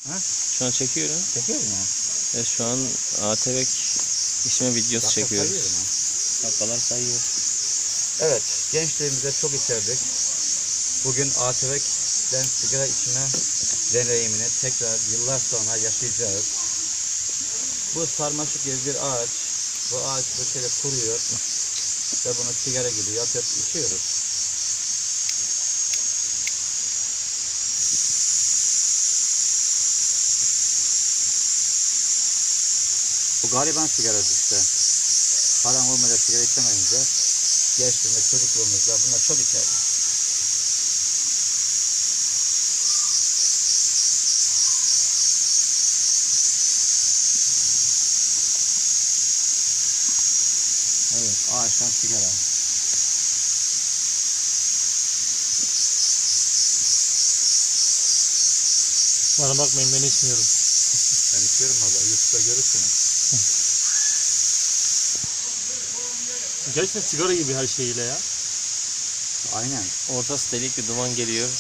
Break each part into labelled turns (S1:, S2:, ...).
S1: Ha?
S2: Şu an çekiyorum.
S1: Çekiyor mu?
S2: Şu an ATV içme videosu
S1: Dakika
S2: çekiyoruz.
S1: sayıyorum ha.
S2: Dakikalar sayıyor.
S1: Evet, gençliğimize çok içerdik. Bugün ATV'den sigara içme deneyimini tekrar yıllar sonra yaşayacağız. Bu sarmaşık gibi bir ağaç. Bu ağaç bu şöyle kuruyor ve bunu sigara gibi yapıp içiyoruz. Bu gariban sigarası işte. Paran olmadan sigara içemeyince gençliğimizde, çocukluğumuzda bunlar çok içerdik. Evet, ağaçtan sigara.
S3: Bana bakmayın, ben içmiyorum.
S1: Ben içiyorum valla, YouTube'da görürsünüz.
S3: Gerçekten sigara gibi her şeyiyle ya.
S1: Aynen.
S2: Ortası delik bir duman geliyor.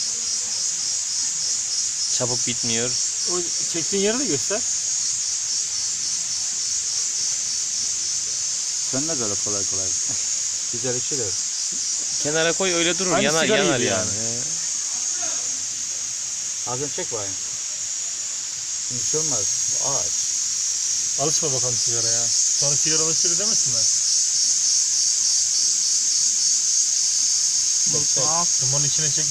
S2: Çabuk bitmiyor.
S3: O çektiğin yeri de göster.
S1: Sönmez öyle kolay kolay. Güzel içilir.
S2: Kenara koy, öyle durur.
S3: Aynı
S2: Yanar
S3: sigara
S2: yanar
S3: gibi
S2: yani.
S3: yani.
S1: Ağzını çek bakayım. Şimdi bir şey olmaz. Bu ağaç.
S3: Alışma bakalım sigaraya. Sonra sigara alışır demesinler. Dumanın içine çekme.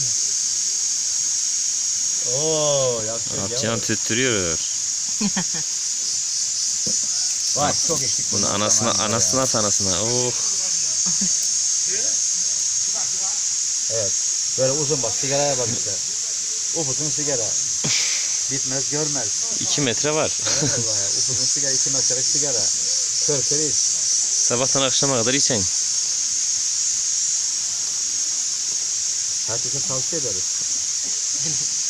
S1: Oo, yapacak
S2: Atcan tüttürüyor.
S1: Vay, çok içtik
S2: Bunu anasına sanasına. Oh.
S1: Evet. Böyle uzun bak, sigaraya bak işte. Upuzun sigara. Bitmez görmez.
S2: 2 metre var.
S1: Vallahi ya. Upuzun sigara, 2 metrelik sigara. Kör iç.
S2: Sabahtan akşama kadar içen.
S1: Herkese tavsiye ederiz.